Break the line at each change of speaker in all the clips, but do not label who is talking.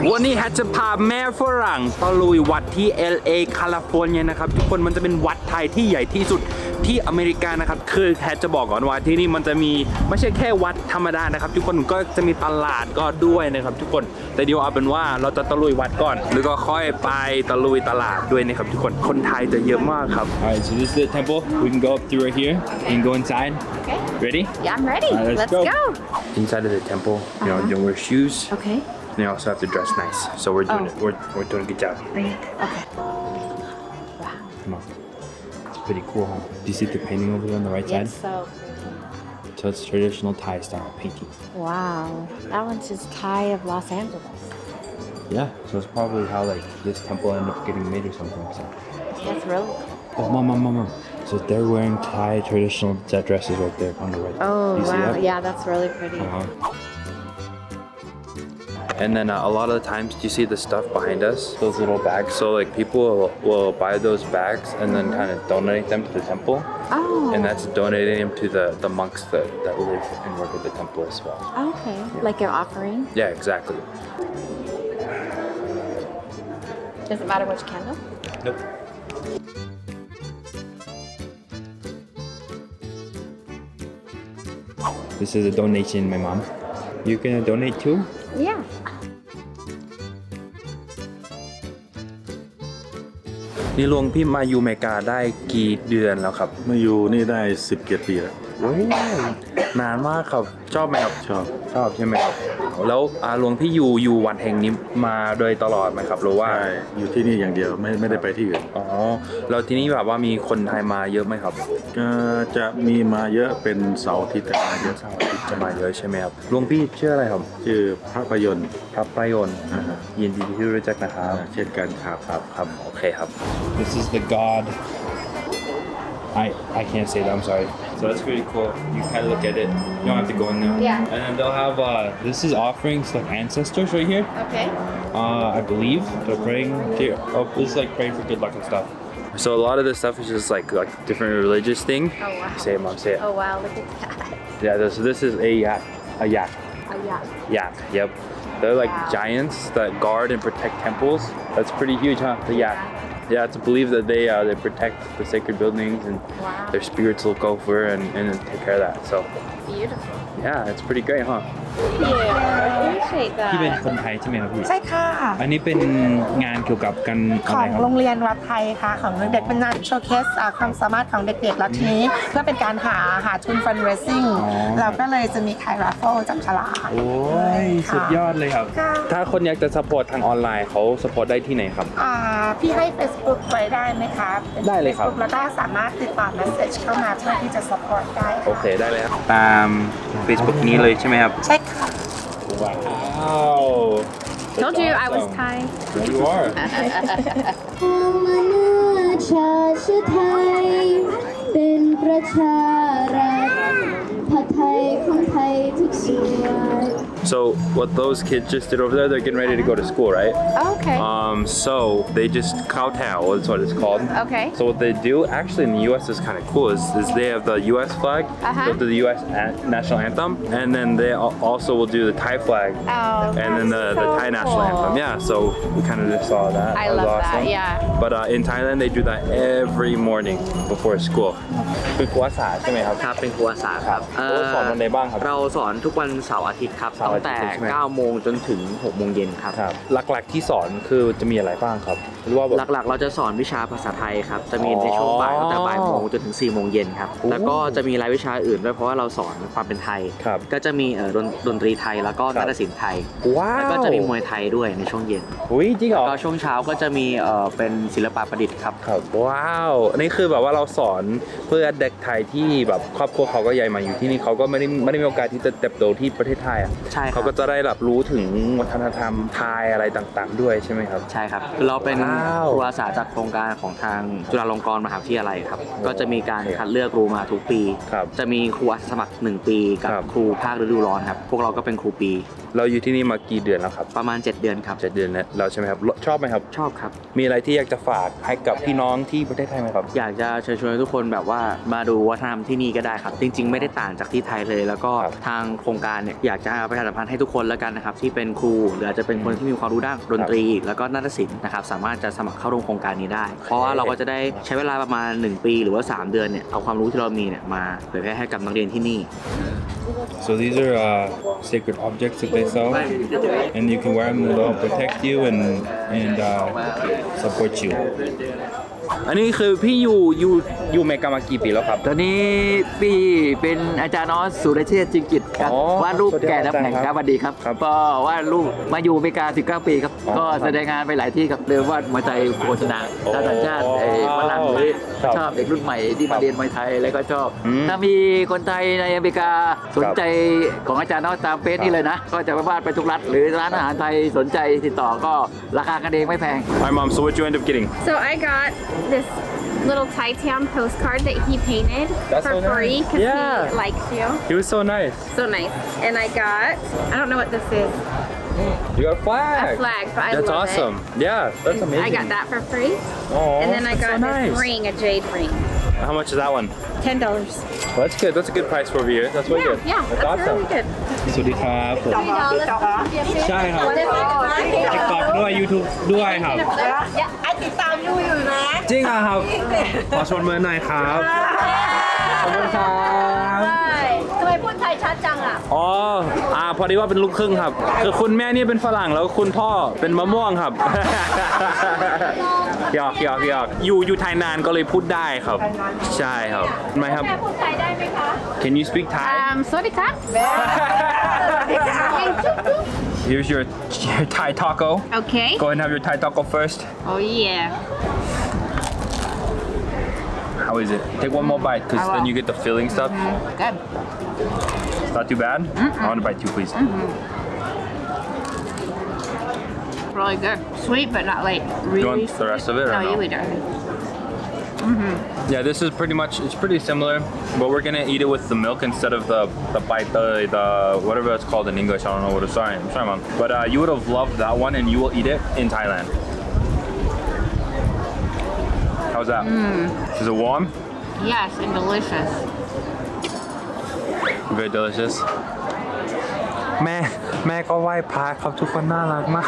วันนี้แฮทจะพาแม่ฝรั่งตะลุยวัดที่ LA แคลิฟอร์เนียนะครับทุกคนมันจะเป็นวัดไทยที่ใหญ่ที่สุดที่อเมริกานะครับคือแฮทจะบอกก่อนว่าที่นี่มันจะมีไม่ใช่แค่วัดธรรมดานะครับทุกคนก็จะมีตลาดก็ด้วยนะครับทุกคนแต่เดี๋ยวเอาเป็นว่าเราจะตะลุยวัดก่อนแล้วก็ค่อยไปตะลุยตลาดด้วยนะครับทุกคนคนไทยจะเยอะมากครับ Alright, so this is the temple. We can go up through right here and go inside.
Okay.
Ready?
Yeah, I'm ready.
Let's
go.
Inside of the temple, you know, you wear shoes.
Okay.
And you also have to dress nice. So we're doing it. We're doing a good job.
Okay.
Come on. It's pretty cool, huh? Do you see the painting over there on the right side?
Yes, so.
So it's traditional Thai style painting.
Wow. That one's just Thai of Los Angeles.
Yeah. So it's probably how like this temple ended up getting made or something. So.
That's really cool.
Oh, mom. So they're wearing Thai traditional dresses right there on the right.
Oh,
you see
wow.
that?
Yeah, that's really pretty.
And then a lot of the times, do you see the stuff behind us? Those little bags. So like people will buy those bags and then kind of donate them to the temple.
Oh.
And that's donating them to the monks that live and work at the temple as well.
Okay. Like your offering?
Yeah, exactly.
Does it matter which candle?
Nope. This is a donation, my mom. You gonna donate too?
Yeah.
นี่หลวงพี่มาอยู่อเมริกาได้กี่เดือนแล้วครับ
มาอยู่นี่ได้10 ปีแล้ว
โอ้ยนานมากครับชอบไหมครับ
ชอบ
ใช่ไหมครับแล้วหลวงพี่อยู่วัดแห่งนี้มาโดยตลอดไหมครับหรือว่า
ใช่อยู่ที่นี่อย่างเดียวไม่ได้ไปที่อื่น
อ๋อแล้วที่นี่แบบว่ามีคนไทยมาเยอะไหมครับ
ก็จะมีมาเยอะเป็นเสาร์อาทิตย์แต่มาเยอะ
เสาร์อาทิตย์จะมาเยอะใช่ไหมครับหลวงพี่ชื่ออะไรครับ
ชื่อพระประยนต์
พระประยนต์ยินดีที่รู้จักนะครับ
เช่นกันครับ
ครับโอเคครับ This is the god I can't say that, I'm sorry. So that's pretty cool. You kind of look at it. You don't have to go in there.
Yeah.
And then they'll have, this is offerings like ancestors right here.
Okay.
I believe they're praying here. Oh, this is like praying for good luck and stuff. So a lot of this stuff is just like different religious thing.
Oh, wow.
Say it, mom, say it.
Oh, wow. Look at that.
Yeah, so this is a yak.
Oh, yeah.
Yak, yep. They're like
Wow.
giants that guard and protect temples. That's pretty huge, huh? The yak. Yeah, it's believed that they protect the sacred buildings and
Wow.
their spirits will go for and take care of that. So
Beautiful.
yeah, it's pretty great, huh?
Yeah, I appreciate
ที่เป็น
that.
คนไทยใช่ไหมครับพี่
ใช่ค่ะ
อันนี้เป็นงานเกี่ยวกับกัน
ข
อะไร
อง
ครับ
โรงเรียนวัดไทยค่ะของเด็กๆเป็นงานโชว์เคสความสามารถของเด็กๆแล้วทีนี้เพื่อเป็นการหาทุน fundraising เราก็เลยจะมีขาย raffle จับฉลาก
โอ้ยสุดยอดเลยครับ
ค่ะ
ถ้าคนอยากจะ support ทางออนไลน์เขา support ได้ที่ไหนครับ
พี่ให้ Facebook ไว้ได้ไหมคะป็น
ได้เลยครับ
Facebook แล้วก็สามารถติดต่อ message เข้ามาเพื่อที่จะ support ได้
โอเคได้เลยครับตาม Facebook นี้เลยใช่ไหมครับ
ใช่ค่ะ
ว้าว
Told you I was Thai.
You are
ชาติไทยเป็นประชารัฐผัดไทยของไทยทุกส่วน
So what those kids just did over there, they're getting ready to go to school, right?
Okay.
So they just kowtow is what it's called.
Okay.
So what they do, actually in the U.S. is kind of cool, is they have the U.S. flag, they'll do the U.S. national anthem, and then they also will do the Thai flag,
Oh,
and then the
that's
Thai
so
national
cool.
anthem. Yeah, so we kind of just saw that.
I
That was
love that,
awesome.
yeah.
But in Thailand, they do that every morning before school. เป็นครูภาษาใช่ไหมครับ
ครับเป็นครูอาสาครับ
สอนวันไหนบ้างครับ
เราสอนทุกวันเสาร์อาทิตย์ครับ
เสาร์
ตั้
อาง ทิตย์
แต่
ใช่ไหม
9 โมงจนถึง 6 โมงเย็นครับ
ครับหลักๆที่สอนคือจะมีอะไรบ้างครับหรือว่าแบบ
หลักๆ เราจะสอนวิชาภาษาไทยครับ จะมีในช่วงบ่ายตั้งแต่บ่ายโมงจนถึง 4 โมงเย็นครับ
โอ้
แล้วก็จะมีรายวิชาอื่นด้วยเพราะว่าเราสอนความเป็นไทย
ครับ
ก็จะมีดนตรีไทยแล้วก็
ครับ
นาฏศิลป์ไทย
ว้าว
แล้วก็จะมีมวยไทยด้วยในช่วงเย็น
อุ้ยจริงเหรอ
ก็ช่วงเช้าก็จะมีเป็นศิลปะประดิษฐ์ครับ
ครับว้าวอันนี้คือแบบว่าเราสอนเพื่อเด็กไทยที่แบบครอบครัวเขาก็ใหญ่มาอยู่ที่นี่เขาก็ไม่ได้มีโอกาสที่จะเติบโตที่ประเทศไทยอ่ะ
ใช่ครับ
เขาก็จะได้รับรู้ถึงวัฒนธรรมไทยอะไรต่างๆ ด้วยใช่ไหมครับ
ใช่ครับคือเราเป็น
ว้าว
ครูอาสาจากโครงการของทางจุฬาลงกรณ์มหาวิทยาลัยครับ ก็จะมีการคัดเลือกครูมาทุกปี
ครับ
จะมีครูอาสาสมัคร 1 ปีกับ
ครับ
ครูภาคฤดูร้อนครับ พวกเราก็เป็นครูปี
เราอยู่ที่นี่มากี่เดือนแล้วครับ
ประมาณ 7 เดือนครับ
7 เดือนแล้วใช่ไหมครับชอบไหมครับ
ชอบครับ
มีอะไรที่อยากจะฝากให้กับพี่น้องที่ประเทศไทยไหมครับ
อยากจะเชิญชวนทุกคนแบบว่ามาดูวัฒนธรรมที่นี่ก็ได้ครับ จริง ๆ ไม่ได้ต่างจากที่ไทยเลย แล้วก็
ครับ
ทางโครงการเนี่ยอยากจะประชาสัมพันธ์ให้ทุกคนแล้วกันนะครับที่เป็นครูหรืออาจจะเป็นคนที่มีความรู้ด้านดนตรี แล้วก็นาฏศิลป์นะครับสามารถจะสมัครเข้าร่วมโครงการนี้ได้ เพราะว่าเราก็จะได้ใช้เวลาประมาณ 1 ปีหรือว่า 3 เดือนเนี่ยเอาความรู้ที่เรามีเนี่ยมาเผยแพร่ให้กับนักเรียนที่นี่
So these are sacred objects that they sell, and you can wear them and they'll protect you and support you.
อันนี้คือพี่อยู่อเมริกามากี่ปีแล้วครับ
ตอนนี้พี่เป็นอาจารย์ออสสุรเชษฐ์จิงกิจครับ
อ๋อ
วาดรูป
สวัสดีครับ
แก่น้ำแข็ง
อาจารย์
ค
ครั
รั
บบ
สวัสดีครับ
ครับ
ก็วาดรูปมาอยู่อเมริกา 19 ปีครับ
อ๋อ
ก็
ครับ
แสดงงานไปหลายที่ครับเดิมวาดมวยไทยโฆษณา
โอ้
ชาวต่างชาติฝรั่งหรือ
ครับ
ชอบเด็กรุ่นใหม่ที่
ครั
มา
บ
เรียนมวยไทยแล้วก็ชอบ
อืม
ถ้ามีคนไทยในอเมริกาสนใจของอาจารย์ออสตามเฟซนี่เลยนะ ก็จะไปวาดไปทุกรัฐหรือร้านอาหารไทยสนใจติดต่อก็ราคากันเองไม่แพง
Hi mom so what you end up getting
So I got this little Thai town postcard that he painted
That's
for
so nice.
free because
Yeah.
he likes you.
He was so nice
So nice. And I got, I don't know what this is,
You got a flag
a flag, but I
That's
love
awesome Yeah that's
it.
amazing
I got that for free.
Oh,
And then I
that's
got
so
this
nice.
ring, a jade ring.
How much is that one
$10.
Well, that's good that's a good price for over here That's really good
Yeah,
That's
that's
awesome
really good.
สวัสดีครับผม ใช่ครับ
TikTok
ตอกด้วย YouTube ด้วยครับ
ไอติดตามยูอยู่นะ
จริงอ่ะครับ ขอชวนเมื่อหน่อยครับ ขอบคุณครับ
ทำไมพูดไทยชัดจังอ่ะ
อ๋อพอดีว่าเป็นลูกครึ่งครับ คือคุณแม่นี่เป็นฝรั่งแล้วคุณพ่อเป็นมะม่วงครับ หยอกอยู่ไทยนานก็เลยพูดได้ครับ ใช่ครับไหมครับ
พูดไทยได้ไหมคะ
Can you speak Thai
สวัสดีครับ
Here's your Thai taco
Okay.
Go ahead and have your Thai taco first
Oh yeah.
How is it? Take one more bite because then you get the filling stuff
Good.
It's not too bad I want to bite two please
Really good. Sweet, but not like really.
You want the rest of it or
No,
no?
you eat it.
Yeah, this is it's pretty similar, but we're gonna eat it with the milk instead of the bite, the whatever it's called in English. I don't know what it's. Sorry, I'm sorry, mom. But you would have loved that one, and you will eat it in Thailand. How's that? Is it warm?
Yes, and delicious.
Very delicious. แม่ก็ไหว้พระครับทุกคนน่ารักมาก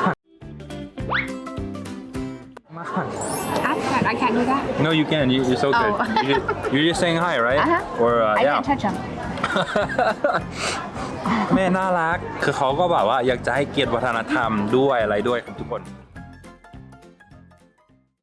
I can't do that.
No, you can. You're so good.
Oh.
You're just saying hi, right? Or
I
yeah.
can't touch them.
แม่น่ารัก คือเขาก็แบบว่าอยากจะให้เกียรติวัฒนธรรมด้วยอะไรด้วยครับทุกคน